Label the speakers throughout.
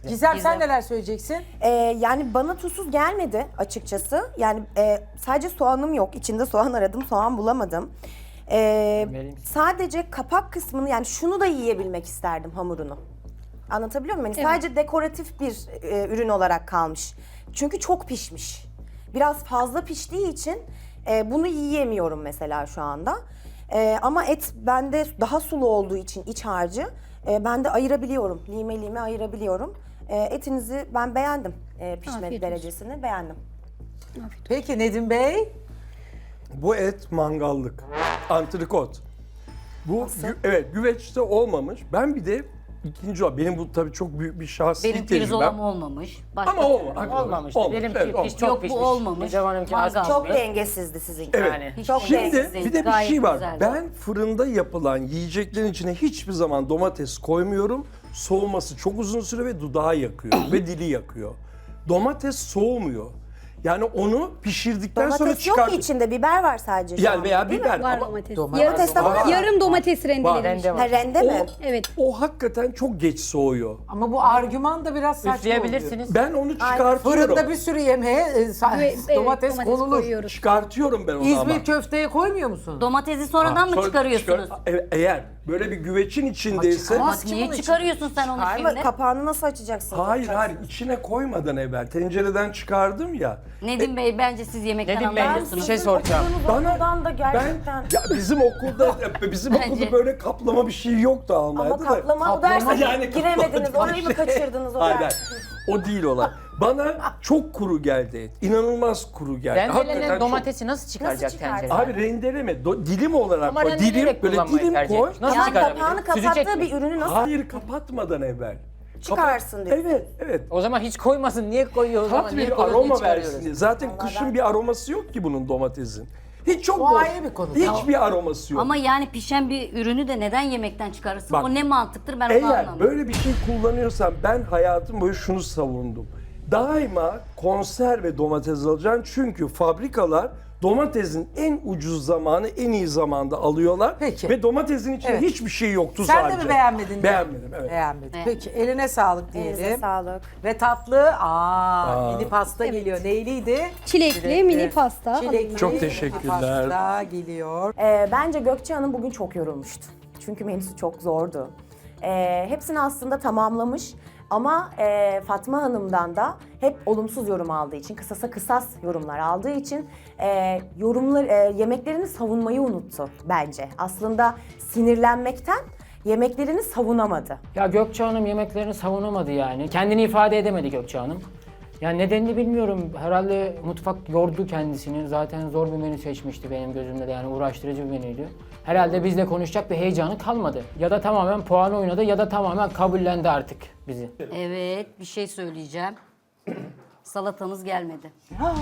Speaker 1: Gizem sen neler söyleyeceksin?
Speaker 2: Yani bana tuzsuz gelmedi açıkçası. Yani sadece soğanım yok. İçinde soğan aradım, soğan bulamadım. Sadece kapak kısmını yani şunu da yiyebilmek isterdim hamurunu. Anlatabiliyor muyum? Yani sadece dekoratif bir ürün olarak kalmış. Çünkü çok pişmiş. Biraz fazla piştiği için bunu yiyemiyorum mesela şu anda. Ama et bende daha sulu olduğu için iç harcı ben de ayırabiliyorum. Lime lime ayırabiliyorum. Etinizi ben beğendim. Pişme
Speaker 3: Afiyet
Speaker 2: derecesini beğendim.
Speaker 1: Peki Nedim Bey?
Speaker 4: Bu et mangallık. Antrikot. Bu evet güveçte olmamış. Ben bir de ikinci o. Benim bu tabii çok büyük bir şahsi
Speaker 5: Benim
Speaker 4: tecrübem.
Speaker 5: pirzolam olmamış. Başka
Speaker 4: Ama olmamış.
Speaker 6: Olmamıştı. Benimki
Speaker 4: evet, olmamış.
Speaker 6: çok
Speaker 5: Yok, bu
Speaker 6: pişmiş.
Speaker 5: olmamış.
Speaker 6: Gizem Hanımki az
Speaker 5: Mangal.
Speaker 2: Çok
Speaker 6: pişmiş.
Speaker 2: dengesizdi sizinki.
Speaker 4: Evet.
Speaker 6: Yani.
Speaker 5: Hiç
Speaker 2: Çok
Speaker 5: dengesiz
Speaker 4: Şimdi
Speaker 5: değil,
Speaker 4: bir de bir
Speaker 5: gayet
Speaker 4: şey var.
Speaker 5: güzeldi.
Speaker 4: Ben fırında yapılan yiyeceklerin içine hiçbir zaman domates koymuyorum. Soğuması çok uzun süre ve dudağı yakıyor ve dili yakıyor. Domates soğumuyor. Yani onu pişirdikten sonra
Speaker 2: Domates yok
Speaker 4: çıkar.
Speaker 2: ki içinde, biber var sadece şu
Speaker 4: Yani
Speaker 2: an,
Speaker 4: veya
Speaker 2: değil mi?
Speaker 4: biber
Speaker 3: Var
Speaker 4: ama
Speaker 3: domates.
Speaker 2: Domates de var.
Speaker 3: Yarım domates rendelemiş.
Speaker 6: Rende var.
Speaker 2: Ha, rende mi?
Speaker 3: Evet.
Speaker 4: o hakikaten çok geç soğuyor.
Speaker 1: Ama bu argüman da biraz saçma oluyor.
Speaker 6: Üfleyebilirsiniz.
Speaker 4: Ben onu çıkartıyorum.
Speaker 1: Fırında bir sürü yemeğe domates konulur.
Speaker 3: koyuyoruz.
Speaker 4: Çıkartıyorum ben onu ama.
Speaker 1: İzmir köfteye koymuyor musun?
Speaker 5: Domatesi sonradan mı
Speaker 4: Sonra
Speaker 5: çıkarıyorsunuz?
Speaker 4: Eğer böyle bir güveçin içindeyse...
Speaker 5: Ama niye çıkarıyorsun sen onu
Speaker 2: Ama
Speaker 5: şimdi?
Speaker 2: kapağını nasıl açacaksın?
Speaker 4: Hayır içine koymadan evvel tencereden çıkardım ya.
Speaker 5: Nedim Bey bence siz yemekten
Speaker 6: Nedim Bey,
Speaker 5: anlamıyorsunuz.
Speaker 6: bir şey soracağım.
Speaker 2: Bana da
Speaker 4: Ben
Speaker 2: gerçekten.
Speaker 4: ya bizim okulda böyle kaplama bir şey yoktu
Speaker 2: Ama
Speaker 4: Almanya'da da.
Speaker 2: kaplama o derse
Speaker 4: yani
Speaker 2: giremediniz.
Speaker 4: kaplama
Speaker 2: Orayı mı
Speaker 4: değil.
Speaker 2: kaçırdınız o
Speaker 4: Hayır,
Speaker 2: dersi?
Speaker 4: hayır. O değil olay. Bana çok kuru geldi et. İnanılmaz kuru geldi.
Speaker 6: Rendelenen
Speaker 4: çok-
Speaker 6: domatesi nasıl çıkaracak
Speaker 2: Nasıl çıkar?
Speaker 6: tencereden?
Speaker 4: Abi rendeleme. Dilim olarak
Speaker 6: Ama
Speaker 4: koy.
Speaker 6: rendeleyerek
Speaker 4: Böyle
Speaker 6: kullanmayı
Speaker 4: dilim
Speaker 6: tercih
Speaker 4: koy.
Speaker 6: etmiş. Nasıl
Speaker 2: Yani
Speaker 6: çıkarabilir?
Speaker 2: kapağını
Speaker 6: Süzecek
Speaker 2: kapattığı
Speaker 6: mi?
Speaker 2: bir ürünü nasıl
Speaker 4: Hayır kapatmadan evvel.
Speaker 2: çıkarsın diyor.
Speaker 4: Evet, evet.
Speaker 6: O zaman hiç koymasın. Niye koyuyor o zaman?
Speaker 4: Tat
Speaker 6: Niye
Speaker 4: bir
Speaker 6: koyuyor, niye
Speaker 4: aroma
Speaker 6: çıkarıyoruz?
Speaker 4: versin diye. Zaten kışın bir aroması yok ki bunun domatesin. Hiç çok
Speaker 1: O
Speaker 4: boş.
Speaker 1: ayrı bir konu.
Speaker 4: Hiçbir aroması yok.
Speaker 5: Ama yani pişen bir ürünü de neden yemekten çıkarırsın?
Speaker 4: Bak,
Speaker 5: O ne mantıktır ben onu
Speaker 4: Eğer
Speaker 5: anlamıyorum.
Speaker 4: böyle bir şey kullanıyorsan ben hayatım boyu şunu savundum. Daima konserve domates alacaksın çünkü fabrikalar domatesin en ucuz zamanı en iyi zamanda alıyorlar.
Speaker 1: Peki.
Speaker 4: Ve domatesin içinde
Speaker 1: Evet.
Speaker 4: hiçbir şey yoktu
Speaker 1: Sen
Speaker 4: sadece.
Speaker 1: de mi beğenmedin?
Speaker 4: Beğenmedim, evet.
Speaker 1: Beğenmedim.
Speaker 5: Evet.
Speaker 1: Peki eline sağlık diyelim.
Speaker 2: Elinize sağlık.
Speaker 1: Ve tatlı, mini pasta geliyor. Neyliydi?
Speaker 3: Çilekli mini pasta.
Speaker 1: Çilekli
Speaker 4: Çok
Speaker 1: mini
Speaker 4: teşekkürler.
Speaker 1: pasta geliyor.
Speaker 2: Bence Gökçe Hanım bugün çok yorulmuştu. Çünkü menüsü çok zordu. Hepsini aslında tamamlamış. Ama Fatma Hanım'dan da hep olumsuz yorum aldığı için, kısasa kısas yorumlar aldığı için yemeklerini savunmayı unuttu bence. Aslında sinirlenmekten yemeklerini savunamadı.
Speaker 6: Ya Gökçe Hanım yemeklerini savunamadı yani. Kendini ifade edemedi Gökçe Hanım. Yani nedenini bilmiyorum. Herhalde mutfak yordu kendisini. Zaten zor bir menü seçmişti benim gözümde de yani uğraştırıcı bir menüydü. Herhalde bizle konuşacak bir heyecanı kalmadı. Ya da tamamen puan oynadı ya da tamamen kabullendi artık bizi.
Speaker 5: Evet bir şey söyleyeceğim. Salatanız gelmedi.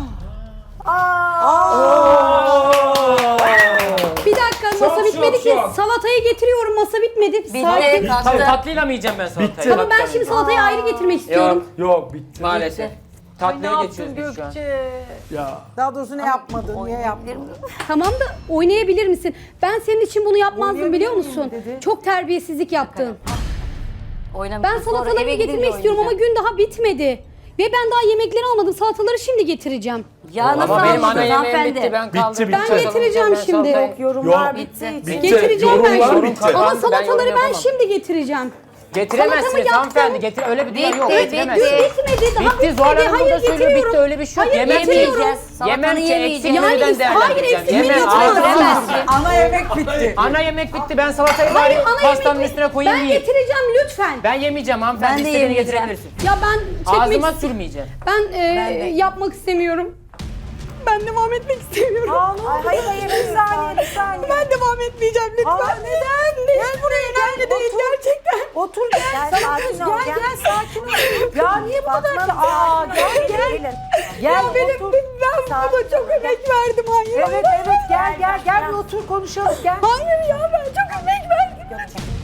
Speaker 3: Bir dakika masa bitmedi ki. Salatayı getiriyorum masa bitmedi. Sakin.
Speaker 5: Bitti, kalktı.
Speaker 6: Tatlıyla mı yiyeceğim ben salatayı?
Speaker 4: Bitti.
Speaker 3: Ama ben şimdi salatayı ayrı getirmek istiyorum.
Speaker 4: Yok bitti.
Speaker 6: Maalesef.
Speaker 1: Ne
Speaker 6: Tatlıya
Speaker 1: yaptın
Speaker 6: geçiyoruz biz şu an.
Speaker 1: Gökçe?
Speaker 4: Ya.
Speaker 1: Daha doğrusu ne yapmadın, niye yapmadın?
Speaker 3: Tamam da oynayabilir misin? Ben senin için bunu yapmazdım biliyor
Speaker 1: Oynayabilir miyim
Speaker 3: musun?
Speaker 1: dedi.
Speaker 3: Çok terbiyesizlik yaptın.
Speaker 5: Oynamışsın,
Speaker 3: Ben
Speaker 5: sonra
Speaker 3: salatalarımı
Speaker 5: eve gidince
Speaker 3: getirmek istiyorum ama
Speaker 5: oynayacağım.
Speaker 3: gün daha bitmedi. Ve ben daha yemekleri almadım. Salataları şimdi getireceğim.
Speaker 5: Ya nasıl
Speaker 6: Ama benim ana
Speaker 5: anladın
Speaker 6: yemeğim
Speaker 5: hanımefendi?
Speaker 6: bitti. Ben kaldırdım.
Speaker 4: bitti.
Speaker 3: Ben getireceğim şimdi.
Speaker 2: Yorumlar
Speaker 4: Yok.
Speaker 2: bitti.
Speaker 4: Bitti.
Speaker 3: Getireceğim ben
Speaker 4: Yorumlar
Speaker 3: şimdi.
Speaker 4: bitti.
Speaker 3: Ama
Speaker 6: Ben
Speaker 3: salataları
Speaker 6: yorum
Speaker 3: ben
Speaker 6: yapamam.
Speaker 3: şimdi getireceğim.
Speaker 6: Getiremezsiniz
Speaker 3: Salatamı
Speaker 6: hanımefendi.
Speaker 3: yaptım.
Speaker 6: Getir öyle bir dünya yok.
Speaker 5: Bitti,
Speaker 6: Getiremezsiniz.
Speaker 3: Bitmedi daha
Speaker 6: Bitti Zuhal
Speaker 3: bitmedi.
Speaker 6: Hanım burada söylüyor bitti öyle bir şey yok.
Speaker 3: Hayır,
Speaker 6: Yemem ki.
Speaker 3: getiriyorum.
Speaker 5: Salatanı
Speaker 6: Yemem ki
Speaker 5: yemeyeceğiz.
Speaker 6: eksik
Speaker 3: Yani
Speaker 6: menüden değerlendireceğim.
Speaker 3: hayır, eksik menü
Speaker 6: Yemem.
Speaker 3: yapamazsın.
Speaker 1: Ana yemek bitti.
Speaker 6: Ana yemek bitti. Ben salatayı
Speaker 3: Hayır,
Speaker 6: bari
Speaker 3: ana
Speaker 6: pastanın
Speaker 3: yemek-
Speaker 6: üstüne koyayım
Speaker 3: Ben
Speaker 6: yiyeyim.
Speaker 3: getireceğim lütfen.
Speaker 6: Ben yemeyeceğim hanımefendi.
Speaker 5: Ben de
Speaker 6: İstediğini
Speaker 5: yemeyeceğim.
Speaker 6: getirebilirsin.
Speaker 3: Ya ben çekmek
Speaker 6: Ağzıma sürmeyeceğim.
Speaker 3: yapmak istemiyorum. Ben devam etmek istemiyorum.
Speaker 2: Hayır bir saniye bir saniye.
Speaker 3: Ben devam etmeyeceğim lütfen. Neden? Gel buraya önemli değil gerçekten.
Speaker 2: Otur gel sakin ol gel sakin ol.
Speaker 1: Ya niye bu kadar ki? Gel.
Speaker 3: Ya ben burada çok emek verdim hayır.
Speaker 1: Evet gel bir otur konuşalım gel.
Speaker 3: Hayır ya ben çok emek verdim.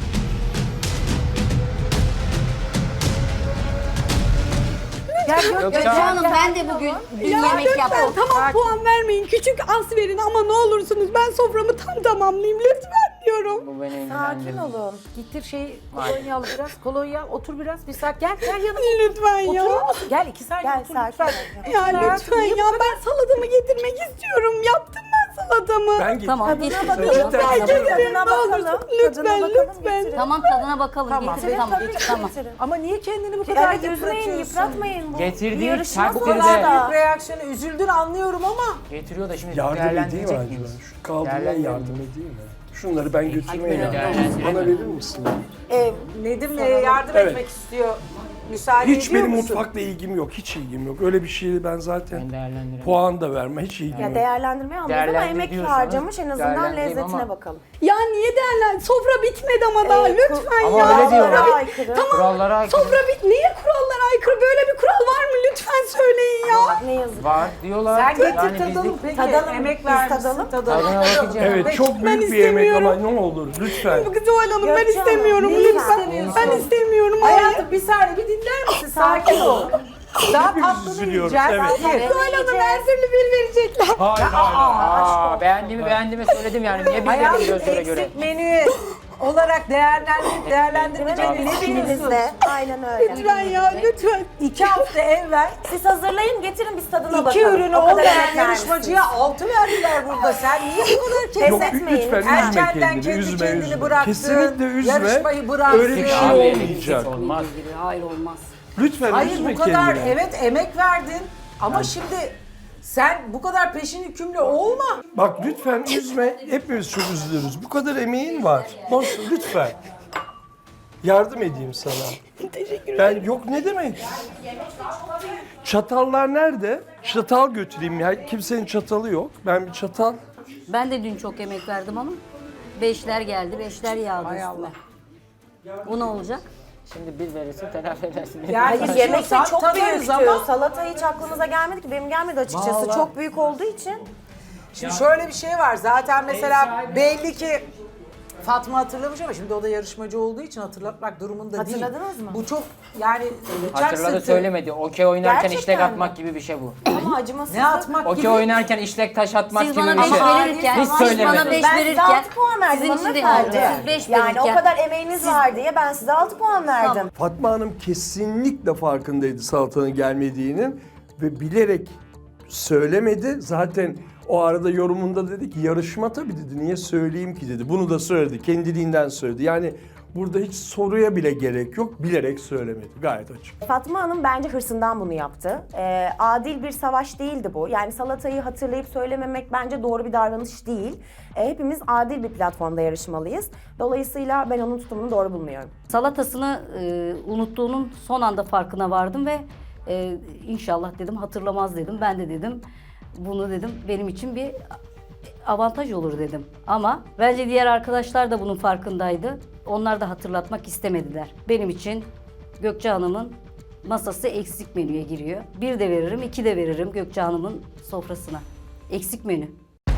Speaker 5: Gökçe Hanım ben de bugün bir yemek
Speaker 3: Lütfen
Speaker 5: yaptım.
Speaker 3: tamam puan vermeyin. Küçük az verin ama ne olursunuz ben soframı tam tamamlayayım lütfen. istiyorum.
Speaker 6: Bu beni
Speaker 2: Sakin
Speaker 6: ilgilendirmiyor.
Speaker 2: olun.
Speaker 1: Getir şeyi kolonya al biraz. Kolonya al. Otur biraz. Bir saat. Gel yanıma.
Speaker 3: Lütfen ya.
Speaker 1: Oturur musun? Gel 2 saniye
Speaker 2: Gel
Speaker 1: otur
Speaker 2: sakin
Speaker 1: lütfen.
Speaker 2: ol.
Speaker 3: Ya
Speaker 1: Hayatım,
Speaker 3: lütfen
Speaker 1: niye bu
Speaker 3: ya
Speaker 1: kadar-
Speaker 3: ben salatamı getirmek istiyorum. Yaptım ben salatamı.
Speaker 4: Ben gittim.
Speaker 5: Tamam getir.
Speaker 2: Tadına
Speaker 5: Tamam.
Speaker 2: bakalım.
Speaker 3: Getirin,
Speaker 2: Tadına
Speaker 3: ne olursun.
Speaker 2: bakalım.
Speaker 3: Lütfen,
Speaker 2: Tadına bakalım,
Speaker 3: lütfen.
Speaker 2: getirin.
Speaker 5: Tamam tadına bakalım.
Speaker 1: Tamam.
Speaker 5: Getir, tamam.
Speaker 2: Tabii ki
Speaker 5: Tamam.
Speaker 2: getirin.
Speaker 1: Ama niye kendini bu kadar
Speaker 2: Evet üzmeyin,
Speaker 1: yıpratıyorsun?
Speaker 2: yıpratmayın. Bu
Speaker 6: Getirdiği
Speaker 2: bir yarışma
Speaker 6: takdirde-
Speaker 1: Bu kadar
Speaker 2: sonuçta.
Speaker 1: büyük reaksiyonu üzüldün anlıyorum ama.
Speaker 6: Getiriyor da şimdi
Speaker 4: Yardım edeyim mi
Speaker 6: değerlendirecek
Speaker 4: acaba?
Speaker 6: miyiz?
Speaker 4: Şu kaldırmaya
Speaker 6: Değerlendirelim.
Speaker 4: yardım edeyim mi? Şunları ben götürmeye
Speaker 5: Hadi
Speaker 4: yardım
Speaker 5: verelim.
Speaker 4: edeyim. Bana verir misin?
Speaker 1: Nedim yardım
Speaker 4: Evet.
Speaker 1: etmek istiyor. Müsaade
Speaker 4: Hiç
Speaker 1: ediyor
Speaker 4: benim
Speaker 1: musun?
Speaker 4: mutfakla ilgim yok. Hiç ilgim yok. Öyle bir şeyi ben zaten
Speaker 6: Ben değerlendiremem.
Speaker 4: puan da verme. Hiç ilgim
Speaker 2: Ya
Speaker 4: yok.
Speaker 2: değerlendirmeyi anlıyoruz ama
Speaker 6: Değerlendir
Speaker 2: emek
Speaker 6: diyorsanız
Speaker 2: harcamış en azından
Speaker 6: değerlendireyim
Speaker 2: lezzetine
Speaker 6: ama-
Speaker 2: bakalım.
Speaker 3: Ya niye derler? Sofra bitmedi ama daha lütfen
Speaker 6: Ama
Speaker 3: ya.
Speaker 6: öyle diyorlar.
Speaker 3: Sofra
Speaker 2: Aykırı.
Speaker 6: Kurallara aykırı.
Speaker 3: Sofra niye kurallara aykırı? Böyle bir kural var mı? Lütfen söyleyin ya.
Speaker 2: Ne yazık.
Speaker 6: Var diyorlar.
Speaker 1: Sen getir
Speaker 6: Yani
Speaker 1: tadalım
Speaker 6: bizlik-
Speaker 1: peki.
Speaker 2: Tadalım,
Speaker 1: Emek
Speaker 2: biz
Speaker 1: vermişsin
Speaker 2: tadalım.
Speaker 6: Tadına bakacağım.
Speaker 4: Evet çok
Speaker 3: Ben
Speaker 4: büyük bir yemek ama
Speaker 3: istemiyorum.
Speaker 4: ne olur lütfen.
Speaker 3: Zuhal Hanım ben
Speaker 2: Gökçe Hanım,
Speaker 3: istemiyorum
Speaker 2: neyi
Speaker 3: lütfen.
Speaker 2: istemiyorsun?
Speaker 3: Ben istemiyorum. Hayır.
Speaker 1: Hayatım bir saniye bir dinler misin? Sakin ol. Daha
Speaker 4: Hepimiz
Speaker 1: tatlını
Speaker 4: üzülüyoruz,
Speaker 1: yiyeceğiz.
Speaker 4: evet.
Speaker 1: Hadi.
Speaker 3: Zuhal Hanım her türlü bir verecekler.
Speaker 4: Hayır hayır.
Speaker 6: Aa, beğendiğimi söyledim yani. Niye bilmiyorum
Speaker 1: Hayatım
Speaker 6: gözlere göre?
Speaker 1: eksik menü olarak değerlendirmeyeceğini ne biliyorsun?
Speaker 2: İçinizde. Aynen öyle.
Speaker 3: Lütfen ya lütfen.
Speaker 1: 2 hafta evvel
Speaker 2: Siz hazırlayın getirin biz tadına bakalım.
Speaker 1: 2 ürünü
Speaker 2: O kadar
Speaker 1: olmayan
Speaker 2: emek
Speaker 1: yarışmacıya 6 verdiler burada. Sen niye bu kadar
Speaker 2: Pes
Speaker 4: Yok
Speaker 2: etmeyin,
Speaker 4: lütfen
Speaker 2: lütfen.
Speaker 4: üzme
Speaker 1: erkenden
Speaker 4: kendini.
Speaker 1: kendi
Speaker 4: Üzme
Speaker 1: kendini
Speaker 4: üzme.
Speaker 1: bıraktın?
Speaker 4: Kesinlikle üzme.
Speaker 1: Yarışmayı bıraktın.
Speaker 4: Öyle bir şey
Speaker 6: Abi,
Speaker 4: olmayacak.
Speaker 6: Olmaz.
Speaker 5: Hayır olmaz.
Speaker 4: Lütfen
Speaker 1: Hayır
Speaker 4: üzme
Speaker 1: bu kadar
Speaker 4: kendini.
Speaker 1: evet emek verdin ama şimdi sen bu kadar peşin hükümlü olma.
Speaker 4: Bak lütfen üzme. Hepimiz çok üzülürüz. Bu kadar emeğin var. Boş lütfen. Yardım edeyim sana.
Speaker 3: Teşekkür ederim.
Speaker 4: Ben yok ne demek? Çatallar nerede? Çatal götüreyim ya. Kimsenin çatalı yok. Ben bir çatal.
Speaker 5: Ben de dün çok emek verdim ama 5'ler geldi, 5'ler yağdı
Speaker 1: Hay
Speaker 5: üstüme.
Speaker 1: Allah.
Speaker 5: Bu ne olacak?
Speaker 6: Şimdi bir verirse telafi edersin.
Speaker 1: Yani
Speaker 2: Hayır yemek de
Speaker 1: istiyorsan
Speaker 2: çok
Speaker 1: tadarız
Speaker 2: büyüktü.
Speaker 1: ama-
Speaker 2: Salata hiç aklımıza gelmedi ki. Benim gelmedi açıkçası.
Speaker 1: Vallahi.
Speaker 2: Çok büyük olduğu için.
Speaker 1: Şimdi şöyle bir şey var. Zaten mesela belli ki Fatma hatırlamış ama şimdi o da yarışmacı olduğu için hatırlatmak durumunda değil.
Speaker 2: Hatırladınız mı?
Speaker 1: Bu çok yani bıçak
Speaker 6: Hatırladı
Speaker 1: sırtı.
Speaker 6: söylemedi. Okey oynarken
Speaker 2: Gerçekten
Speaker 6: işlek
Speaker 2: mi?
Speaker 6: atmak gibi bir şey bu.
Speaker 2: Ama acımasızlık.
Speaker 1: Ne atmak
Speaker 6: Okey
Speaker 1: gibi.
Speaker 6: oynarken işlek taş atmak
Speaker 5: Siz
Speaker 6: gibi
Speaker 5: bana
Speaker 6: bir
Speaker 5: 5
Speaker 6: şey.
Speaker 5: verirken,
Speaker 6: Hiç
Speaker 5: siz
Speaker 6: söylemedi.
Speaker 5: bana 5
Speaker 2: Ben size
Speaker 5: verirken,
Speaker 2: 6 puan verdim
Speaker 5: sizin için de
Speaker 2: hanımefendi.
Speaker 5: oldu. Siz 5
Speaker 2: Yani
Speaker 5: verirken.
Speaker 2: o kadar emeğiniz var diye ben size 6 puan verdim.
Speaker 4: Fatma Hanım kesinlikle farkındaydı salatanın gelmediğinin ve bilerek söylemedi. Zaten o arada yorumunda dedi ki yarışma tabii dedi. Niye söyleyeyim ki dedi. Bunu da söyledi. Kendiliğinden söyledi. Yani burada hiç soruya bile gerek yok. Bilerek söylemedi. Gayet açık.
Speaker 2: Fatma Hanım bence hırsından bunu yaptı. Adil bir savaş değildi bu. Yani salatayı hatırlayıp söylememek bence doğru bir davranış değil. Hepimiz adil bir platformda yarışmalıyız. Dolayısıyla ben onun tutumunu doğru bulmuyorum.
Speaker 5: Salatasını unuttuğunun son anda farkına vardım ve inşallah dedim hatırlamaz dedim. Ben de dedim bunu dedim benim için bir avantaj olur dedim. Ama bence diğer arkadaşlar da bunun farkındaydı. Onlar da hatırlatmak istemediler. Benim için Gökçe Hanım'ın masası eksik menüye giriyor. 1 de veririm, 2 de veririm Gökçe Hanım'ın sofrasına. Eksik menü.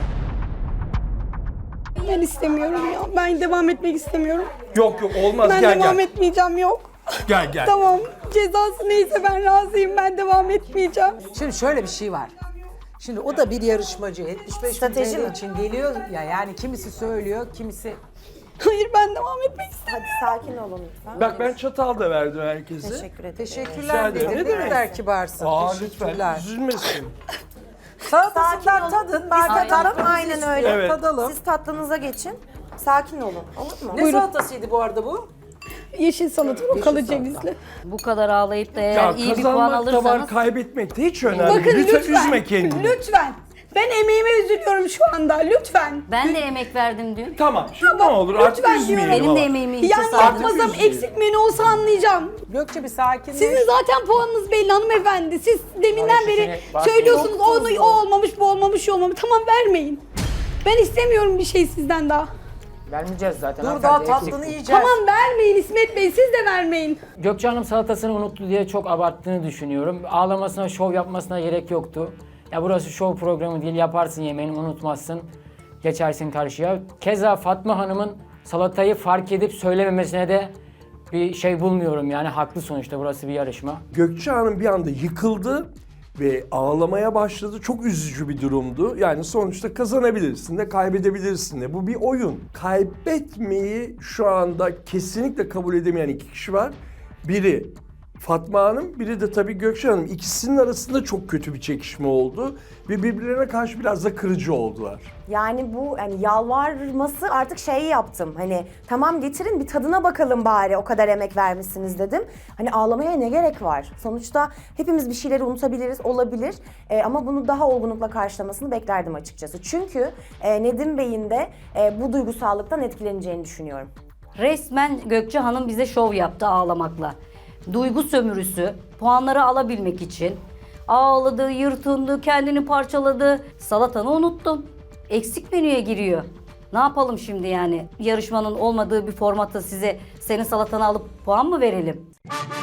Speaker 3: Ben istemiyorum ya. Ben devam etmek istemiyorum.
Speaker 4: Yok yok olmaz
Speaker 3: Ben
Speaker 4: gel
Speaker 3: devam
Speaker 4: gel.
Speaker 3: etmeyeceğim yok.
Speaker 4: Gel gel.
Speaker 3: Tamam. Cezası neyse ben razıyım. Ben devam etmeyeceğim.
Speaker 1: Şimdi şöyle bir şey var. Şimdi o da bir yarışmacı. 75
Speaker 2: Strateji
Speaker 1: bin TL
Speaker 2: mi?
Speaker 1: için geliyor ya yani kimisi söylüyor, kimisi
Speaker 3: Hayır ben devam etmek istemiyorum.
Speaker 2: Hadi sakin olun lütfen.
Speaker 4: Bak ben çatal da verdim herkese.
Speaker 2: Teşekkür ederim.
Speaker 4: Rica
Speaker 1: teşekkürler
Speaker 4: ederim.
Speaker 1: dedi.
Speaker 4: Ne
Speaker 1: Ne
Speaker 4: demek?
Speaker 1: kadar kibarsın.
Speaker 4: Aa lütfen
Speaker 1: Teşekkürler.
Speaker 4: üzülmesin.
Speaker 1: Salatasından tadın. Biz de
Speaker 2: Sakin olun.
Speaker 1: tatlımızı
Speaker 2: Aynen
Speaker 1: istiyor,
Speaker 2: öyle.
Speaker 4: Evet.
Speaker 1: Tadalım.
Speaker 2: Siz tatlınıza geçin. Sakin olun. Olur mu?
Speaker 1: Ne salatasıydı bu arada bu?
Speaker 3: Yeşil salata rokalı cevizli.
Speaker 5: Bu kadar ağlayıp da eğer
Speaker 4: Ya
Speaker 5: iyi bir puan
Speaker 4: kazanmak da var,
Speaker 5: alırsanız
Speaker 4: kaybetmek de hiç önemli.
Speaker 3: Bakın lütfen.
Speaker 4: Üzme kendini.
Speaker 3: Lütfen. Ben emeğime üzülüyorum şu anda. Lütfen.
Speaker 5: ben de emek verdim dün.
Speaker 4: Tamam şimdi ne olur artık
Speaker 3: lütfen
Speaker 4: üzmeyelim
Speaker 5: Benim
Speaker 4: ama.
Speaker 5: de emeğimi hiçe
Speaker 3: Yani
Speaker 5: saydım.
Speaker 3: yapmasam eksik menü olsa anlayacağım.
Speaker 1: Gökçe bir sakinleş.
Speaker 3: Sizin zaten puanınız belli hanımefendi. Siz deminden beri
Speaker 6: Maalesef
Speaker 3: söylüyorsunuz
Speaker 1: Çok
Speaker 3: onu
Speaker 1: tuzlu.
Speaker 3: o olmamış, bu olmamış, şu olmamış. Tamam vermeyin. Ben istemiyorum bir şey sizden daha.
Speaker 6: Vermeyeceğiz zaten.
Speaker 1: Dur daha
Speaker 6: hanımefendi, eksik
Speaker 1: tatlını
Speaker 6: bu.
Speaker 1: yiyeceğiz.
Speaker 3: Tamam vermeyin İsmet Bey, siz de vermeyin.
Speaker 6: Gökçe Hanım salatasını unuttu diye çok abarttığını düşünüyorum. Ağlamasına, şov yapmasına gerek yoktu. Ya burası şov programı değil, yaparsın yemeğini, unutmazsın. Geçersin karşıya. Keza Fatma Hanım'ın salatayı fark edip söylememesine de bir şey bulmuyorum yani haklı sonuçta burası bir yarışma.
Speaker 4: Gökçe Hanım bir anda yıkıldı ve ağlamaya başladı. Çok üzücü bir durumdu. Yani sonuçta kazanabilirsin de kaybedebilirsin de. Bu bir oyun. Kaybetmeyi şu anda kesinlikle kabul edemeyen iki kişi var. Biri Fatma Hanım, biri de tabii Gökçe Hanım. İkisinin arasında çok kötü bir çekişme oldu ve birbirlerine karşı biraz da kırıcı oldular.
Speaker 2: Yani bu hani yalvarması artık şeyi yaptım. Hani tamam getirin bir tadına bakalım bari, o kadar emek vermişsiniz dedim. Hani ağlamaya ne gerek var? Sonuçta hepimiz bir şeyleri unutabiliriz, olabilir. Ama bunu daha olgunlukla karşılamasını beklerdim açıkçası. Çünkü Nedim Bey'in de bu duygusallıktan etkileneceğini düşünüyorum.
Speaker 5: Resmen Gökçe Hanım bize şov yaptı ağlamakla. Duygu sömürüsü, puanları alabilmek için ağladı, yırtındı, kendini parçaladı. Salatanı unuttum. Eksik menüye giriyor. Ne yapalım şimdi yani? Yarışmanın olmadığı bir formatta size senin salatanı alıp puan mı verelim?